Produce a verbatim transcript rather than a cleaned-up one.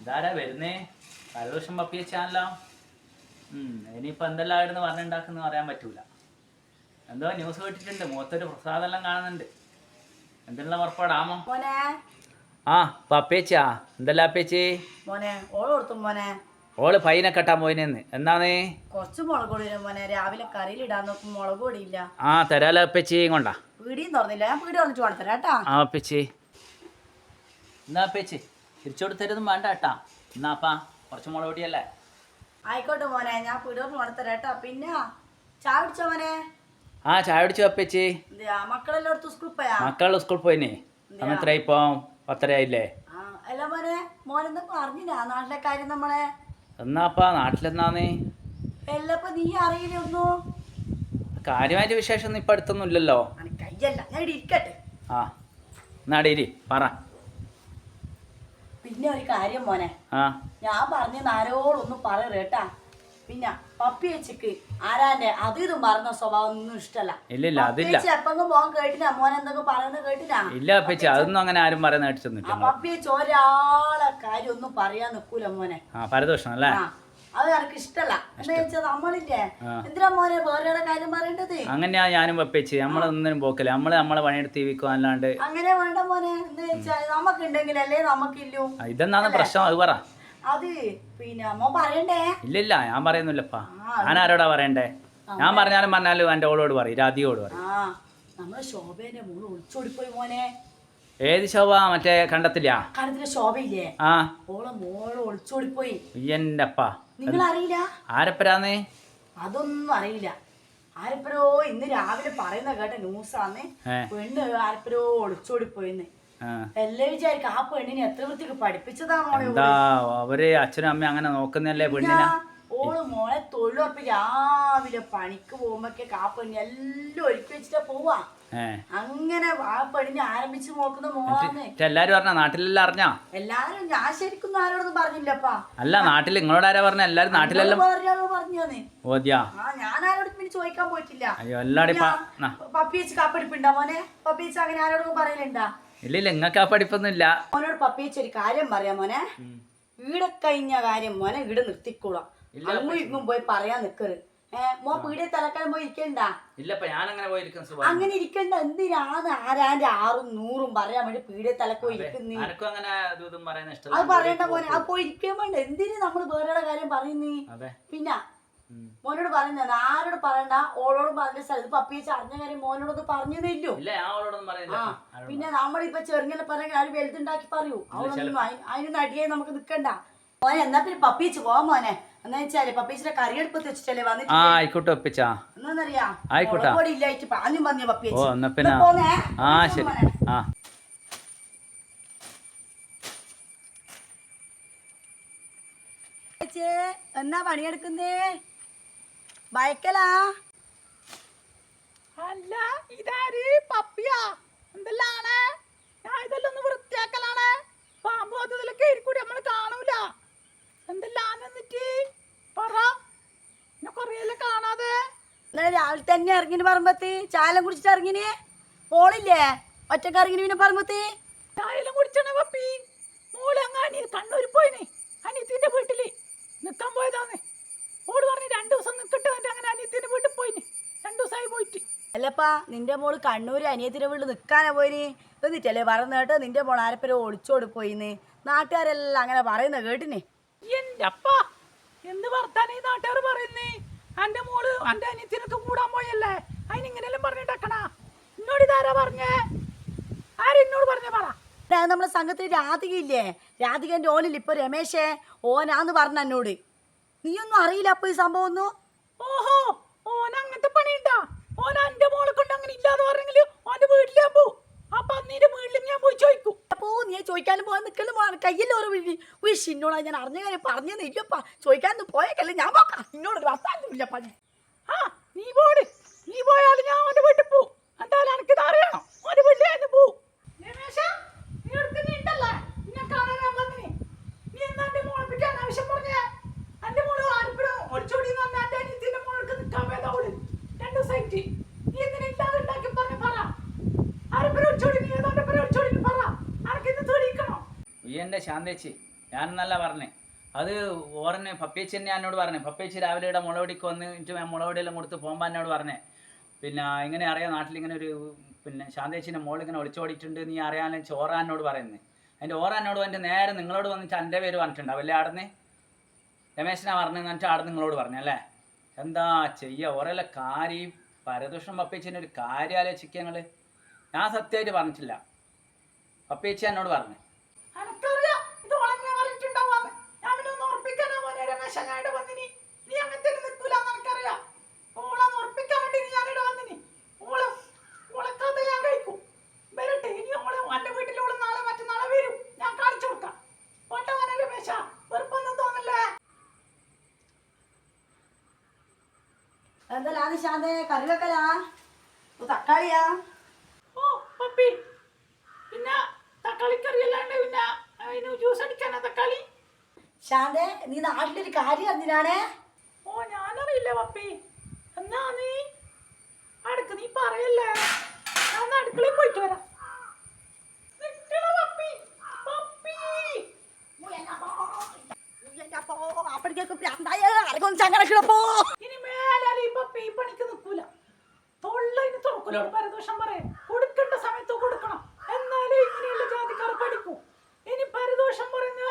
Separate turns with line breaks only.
ഇതാരാ വരുന്നേ? പരദോഷം പപ്പി വെച്ചാണല്ലോ. ഇനിയിപ്പോൾ എന്തെല്ലാം ആയിരുന്നു പറഞ്ഞുണ്ടാക്കുന്ന പറയാൻ പറ്റൂല. എന്തോ ന്യൂസ് കേട്ടിട്ടുണ്ട്, മുഖത്തൊരു പ്രസാദെല്ലാം കാണുന്നുണ്ട്. എന്തെല്ലാം പുറപ്പാടാമോ? ആ പപ്പേച്ചാ, എന്തെല്ലാം അപ്പേച്ചി? ഓള് പൈനെ കെട്ടാൻ പോയിനെന്ന്. എന്നാന്നേ?
കുറച്ച് മുളക് പൊടി മോനെ, രാവിലെ കറിയിൽ ഇടാൻ നോക്കും മുളക് പൊടിയില്ല.
ആ തരാലോ അപ്പേച്ചി. കൊണ്ടാ
പീടിയും തുറന്നില്ല, ഞാൻ പീടി തുറന്നിട്ട് കൊണ്ടുതരാം കേട്ടാ.
ആ അപ്പേച്ചി. എന്നാ അപ്പേച്ചി തിരിച്ചോടുത്തരൊന്നും വേണ്ട കേട്ടാ. എന്നാപ്പാ കുറച്ച് മുളക് പൊടിയല്ലേ?
ആയിക്കോട്ടെ മോനെ, ഞാൻ പീടി തുറന്ന് കൊണ്ടുതരാം കേട്ടാ. പിന്നെ ചായ കുടിച്ചോ മോനെ?
ആ ചായ കുടിച്ചു അപ്പേച്ചി.
മക്കളെല്ലായിടത്തും സ്കൂളിൽ പോയാ?
മക്കൾ സ്കൂളിൽ പോയിനെ. എത്ര ഇപ്പൊ പത്തര ആയില്ലേ?
ആ അല്ല മോനെ, മോനെന്തൊക്കെ അറിഞ്ഞില്ല നാട്ടിലെ കാര്യം നമ്മളെ?
എന്നാപ്പാ നാട്ടിലെന്നാന്നേ?
എല്ലപ്പോ നീ അറിയില്ലൊന്നു.
കാര്യമായിട്ട് വിശേഷം ഒന്നും ഇപ്പൊ അടുത്തൊന്നും ഇല്ലല്ലോ.
കയ്യല്ല, ഞാൻ ഇവിടെ ഇരിക്കട്ടെ.
ആ എന്നാടേരി പറ.
പിന്നെ ഒരു കാര്യം മോനെ,
ആ
ഞാൻ പറഞ്ഞ ആരോടൊന്നും പറയരുത് കേട്ടാ. പിന്നെ പപ്പി വെച്ചിക്ക് ആരാന്റെ അത് ഇതും പറഞ്ഞ സ്വഭാവം ഒന്നും ഇഷ്ടല്ല.
ഇല്ലില്ല അതില്ല.
എപ്പെങ്കിലും പോകാൻ കേട്ടിനാ മോനെ എന്തൊക്കെ പറയുന്നത് കേട്ടിനാ?
ഇല്ല അപ്പച്ചി, അതൊന്നും അങ്ങനെ ആരും പറയുന്ന കേട്ടിട്ടൊന്നുമില്ല.
പപ്പി വെച്ച് ഒരാളെ കാര്യം ഒന്നും പറയാൻ നിക്കൂല മോനെ.
ആ പരദോഷം അല്ലേ?
അത് എനിക്ക് ഇഷ്ടല്ല. എന്താ വെച്ചാൽ നമ്മളില്ലേ എന്തിനാ മോനെ വേറെ കാര്യം പറയേണ്ടത്?
അങ്ങനെയാ ഞാനും പപ്പേച്ചി, നമ്മളൊന്നിനും പോക്കില്ല. നമ്മള് നമ്മളെ പണിയെടുത്ത് ജീവിക്കും അല്ലാണ്ട്.
അങ്ങനെ വേണ്ട മോനെ. എന്താ വെച്ചാൽ നമുക്ക് ഉണ്ടെങ്കിലല്ലേ നമുക്കില്ലു.
ഇതെന്നാണ് പ്രശ്നം, അത് പറ.
അത് പിന്നെ അമ്മ പറയണ്ടേ?
ഇല്ലില്ല ഞാൻ പറയുന്നില്ലപ്പാ. ഞാൻ ആരോടാ പറയണ്ടേ? ഞാൻ പറഞ്ഞാലും പറഞ്ഞാലും എന്റെ ഓളോട് പറയും, രാധിയോട് പറയും.
ആ നമ്മളെ ശോഭേന്റെ മോള് ഒളിച്ചോടിപ്പോയി മോനെ.
ഏത് ശോഭ? മറ്റേ കണ്ടത്തില്ല?
കണ്ടത്തിലെ ശോഭയില്ലേ? ആ ഓളെ മോള് ഒളിച്ചോടിപ്പോയി.
എന്റെ അപ്പാ,
നിങ്ങൾ അറിയില്ല?
ആരപ്പരാന്നേ?
അതൊന്നും അറിയില്ല. ആരപ്പരോ ഇന്ന് രാവിലെ പറയുന്ന കേട്ട ന്യൂസാന്ന്. പെണ്ണ് ആരപ്പരോ ഒളിച്ചോടിപ്പോയിന്ന്. എല്ലാം വിചാരിക്കും ആ പെണ്ണിനെ എത്ര വൃത്തിക്ക് പഠിപ്പിച്ചതാണോ?
എന്താ അവര് അച്ഛനും അമ്മയും അങ്ങനെ നോക്കുന്നല്ലേ പെണ്ണിനെ?
ഓള് മോളെ തൊഴിലുറപ്പ് രാവിലെ പണിക്ക് പോകുമ്പോഴൊക്കെ ആ പെണ്ണി എല്ലാം ഒരുക്കി വെച്ചിട്ടാ പോവാ. അങ്ങനെ ആ പെണ്ണിനെ ആരംഭിച്ച് നോക്കുന്ന മോളാന്ന്
എല്ലാരും പറഞ്ഞ. നാട്ടിലെല്ലാം അറിഞ്ഞാ?
എല്ലാരും. ഞാൻ ശരിക്കും ആരോടൊന്നും പറഞ്ഞില്ലപ്പാ.
അല്ല നാട്ടിൽ നിങ്ങളോട് ആരാ പറഞ്ഞ? എല്ലാരും നാട്ടിലെല്ലാം
പറഞ്ഞാന്ന്.
ഓദ്യാ?
ആ ഞാൻ ആരോടും പിന്നെ ചോദിക്കാൻ പോയിട്ടില്ല.
അയ്യോ എല്ലാരും
പപ്പി വെച്ച് കാപ്പടിപ്പുണ്ടാ മോനെ? പപ്പി വെച്ച് അങ്ങനെ ആരോടും പറയലുണ്ടാ?
ഇല്ലില്ല, നിങ്ങൾക്ക് ആ പഠിപ്പൊന്നും ഇല്ല.
മോനോട് പപ്പി വെച്ച് ഒരു കാര്യം പറയാം മോനെ. ഈടെ കഴിഞ്ഞ കാര്യം മോനെ ഈടെ നിർത്തിക്കൂടാ. അങ്ങും ഇങ്ങും പോയി പറയാൻ നിക്കരുത്. ഏഹ് മോ പീടിയെ തലക്കാലം പോയി ഇരിക്കണ്ട. അങ്ങനെ ഇരിക്കണ്ട. എന്തിനാണ് ആരാന്റെ ആറും നൂറും പറയാൻ വേണ്ടി പീടിയെ തലക്ക് പോയി ഇരിക്കുന്നേ? അത് പറയണ്ട മോനെ, അത് പോയി ഇരിക്കാൻ വേണ്ട. എന്തിനു നമ്മള് വേറെ കാര്യം പറയുന്നേ? പിന്നെ മോനോട് പറയുന്ന ആരോട് പറയണ്ട. ഓളോട് പറഞ്ഞ സ്ഥലത്ത് പപ്പി വെച്ച് അറിഞ്ഞ കാര്യം മോനോടൊന്ന് പറഞ്ഞതേല്ലോ. പിന്നെ നമ്മളിപ്പൊ ചെറുങ്ങനെ പറയാൻ ആരും വലുതുണ്ടാക്കി പറയൂ. അവളൊന്നും അതിനൊന്നും അടിയായി നമുക്ക് നിക്കണ്ട മോനെ. എന്നാ പിന്നെ പപ്പി വെച്ച് പോവാ മോനെ. എന്നാ വെച്ചാല് പപ്പീച്ചിന്റെ കറിയെടുപ്പത്ത് വെച്ചിട്ടല്ലേ വന്നിട്ട്. എന്നാന്നറിയാ പൊടി ഇല്ലായിട്ട് പാഞ്ഞും പറഞ്ഞ പപ്പി പോന്നേ. എന്നാ പണിയെടുക്കുന്നേ? ഭയക്കലാ?
അല്ല ഇതാര്? പപ്പിയാ? എന്തെല്ലാണ്? ഞാൻ ഇതെല്ലാം ഒന്ന് വൃത്തിയാക്കലാണ്. പാമ്പ് അതിലൊക്കെ ആയിരിക്കൂടി നമ്മള് കാണൂല. എന്തെല്ലാം എന്നിട്ട് പറ. എന്നെ കൊറേയല്ലേ കാണാതെ.
ഇന്നലെ രാവിലെ തന്നെ ഇറങ്ങിന് പറമ്പത്ത് ചായലും കുടിച്ചിട്ട് ഇറങ്ങിന്. മോളില്ലേ ഒറ്റക്ക് ഇറങ്ങിന് പിന്നെ പറമ്പത്ത്?
ചായലും കുടിച്ചാണ് പപ്പി. മോള് അങ്ങ് കണ്ണൂര് പോയിന് അനിയത്തിന്റെ വീട്ടില് നിക്കാൻ പോയതാന്ന്. ഓട് പറഞ്ഞ് രണ്ടു ദിവസം നിക്കട്ടെ. അങ്ങനെ അനിയത്തിന്റെ വീട്ടിൽ പോയിന്. രണ്ടു ദിവസമായി പോയിട്ട്.
അല്ലപ്പാ നിന്റെ മോള് കണ്ണൂര് അനിയത്തിന്റെ വീട്ടിൽ നിക്കാനാ പോയിന് എന്നിട്ടല്ലേ പറയുന്ന കേട്ടോ നിന്റെ മോൾ ആരപ്പരോ ഒളിച്ചോടി പോയിന്ന്. നാട്ടുകാരെല്ലാം അങ്ങനെ പറയുന്ന കേട്ടിന്.
എന്റെ അപ്പ എന്ത് വർത്താനം ഈ നാട്ടുകാർ പറയുന്നേ? എന്റെ മോള് എന്റെ അനിയത്തിനൊക്കെ കൂടാൻ പോയല്ലേ, അതിനിങ്ങനെല്ലാം പറഞ്ഞിട്ടക്കണ. എന്നോട് ഇതാരാ പറഞ്ഞേ? ആരെന്നോട് പറഞ്ഞ പറ.
നമ്മളെ സംഘത്തിൽ രാധിക ഇല്ലേ, രാധികന്റെ ഓനില്ല ഇപ്പൊ രമേശേ, ഓനാന്ന് പറഞ്ഞ എന്നോട്. നീയൊന്നും അറിയില്ല അപ്പൊ ഈ സംഭവം ഒന്നും?
ഓഹോ, ഓൻ അങ്ങനത്തെ പണിയുണ്ടാ? ഓൻ എന്റെ മോളെ കൊണ്ട് അങ്ങനെ ഇല്ലാതെ പറഞ്ഞെങ്കിൽ ഓന്റെ വീട്ടിൽ ഞാൻ പോവും. അപ്പൊ അന്നീന്റെ വീട്ടിൽ ഞാൻ പോയി ചോദിക്കും.
അപ്പോ നീ ചോദിക്കാനും പോകാൻ നിൽക്കലും കയ്യിൽ ഓരോ വിഷ് ഇന്നോടാ ഞാൻ അറിഞ്ഞ കാര്യം പറഞ്ഞത് ഇല്ലപ്പാ. ചോദിക്കാനൊന്നും പോയേക്കല്ലേ ഞാൻ പോക്കാം. ഇന്നോട് വർത്താനം ഇല്ലപ്പാ.
ആ നീ പോട്. നീ പോയാലും ഞാൻ ഓന്റെ വീട്ടിൽ പോവും. എന്തായാലും എനിക്കിത് അറിയണം. ഓന്റെ വീട്ടിൽ ഞാൻ പോവും. രമേശ നീ എടുക്കുന്നുണ്ടല്ലേ? നിന്നെ കാണാൻ ഞാൻ വന്നിനി. നീ എന്താ എന്റെ മോളെ പറ്റി അനാവശ്യം പറഞ്ഞേ? എന്റെ മോള് ആരിപ്പോഴും ഒളിച്ചോടി എന്ന് പറഞ്ഞാൽ എന്റെ അനിയത്തിന്റെ മോൾക്ക് നിൽക്കാൻ വേണ്ട അവള് രണ്ടു ദിവസമായിട്ട്. നീ എന്തിനാ ഇല്ലാതെ ഉണ്ടാക്കി പറഞ്ഞ പറ. ആരിപ്പോഴും ഒളിച്ചോടി? നീ ഏതോന്റെ പേര് ഒളിച്ചോടി പറ. ആർക്കിന്ന് തെളിയിക്കണോ?
എന്റെ ശാന്തേച്ചി ഞാനെന്നല്ല പറഞ്ഞേ, അത് ഓറന്നെ പപ്പേച്ചി തന്നെ എന്നോട് പറഞ്ഞേ. പപ്പേച്ചി രാവിലെ ഇവിടെ മുളകൊടിക്ക് വന്നിട്ട് മുളകൊടിയെല്ലാം കൊടുത്ത് പോകുമ്പോൾ എന്നോട് പറഞ്ഞേ, പിന്നെ ഇങ്ങനെ അറിയാം നാട്ടിലിങ്ങനെ ഒരു പിന്നെ ശാന്തേച്ചിൻ്റെ മോൾ ഇങ്ങനെ ഒളിച്ചോടിയിട്ടുണ്ട്, നീ അറിയാനും ചോറാനോട് പറയുന്നത്. അതിൻ്റെ ഓറാനോട് വന്നിട്ട് നേരെ നിങ്ങളോട് വന്നിട്ട് എൻ്റെ പേര് പറഞ്ഞിട്ടുണ്ടാവും അല്ലേ ആടുന്ന് രമേശനാ പറഞ്ഞു എന്നിട്ട് ആട് നിങ്ങളോട് പറഞ്ഞല്ലേ. എന്താ ചെയ്യുക, ഓരെല്ലാം കാര്യം പരദൂഷണം പപ്പേച്ചിൻ്റെ ഒരു കാര്യം ആലോചിക്കുക നിങ്ങൾ. ഞാൻ സത്യമായിട്ട് പറഞ്ഞിട്ടില്ല, പപ്പേച്ചി എന്നോട് പറഞ്ഞു.
എനിക്കറിയാം ഇത് ഓളെന്നെ പറഞ്ഞിട്ടുണ്ടാവാന്ന്. ഞാൻ പിന്നെ ഒന്ന് ഉറപ്പിക്കാനാ മോനെ രമേശ ഞാൻ ഇവിടെ വന്നിനി. നീ അങ്ങനത്തെ നിൽക്കൂലെന്ന് എനിക്കറിയാം. ഓളൊന്ന് ഉറപ്പിക്കാൻ വേണ്ടി ഞാൻ ഇവിടെ വന്നിനി. ഓളെ ഓളെ കഥ ഞാൻ കഴിക്കും. വരട്ടെ ഇനി ഓളെ എൻ്റെ വീട്ടിൽ ഓള് നാളെ മറ്റന്നാളെ വരും. ഞാൻ കാണിച്ചു കൊടുക്കാം. ഓട്ടെ മോനെ രമേശ, വെറുപ്പൊന്നും തോന്നല്ലേ.
എന്തെല്ലാം ശാന്തേ കറി വെക്കലാ? തക്കാളിയാ?
ഓ പപ്പി, പിന്നെ തക്കാളിക്കറി അല്ലാണ്ട് പിന്നെ അതിന് ജ്യൂസ് അടിക്കാനാ തക്കാളി?
ശാന്തേ നീ നാട്ടിലൊരു കാര്യം അറിഞ്ഞാണേ.
ഓ ഞാനറിയില്ല പപ്പി. എന്നാ നീ അടുക്ക് നീ പറയല്ലേ, ഞാൻ അടുക്കളയിൽ പോയിട്ട് വരാം. നിക്കണ പപ്പി, പപ്പി. ഇനി മേലാൽ ഈ പപ്പി ഈ പണിക്ക് നിൽക്കൂല. തൊള്ളതിന് തുറക്കൂലോട് പരദോഷം പറയാൻ. കൊടുക്കേണ്ട സമയത്ത് കൊടുക്കണം, എന്നാലേ ഇങ്ങനെയുള്ള ജാതിക്കാർ പഠിക്കൂ. ഇനി പരദോഷം പറയുന്ന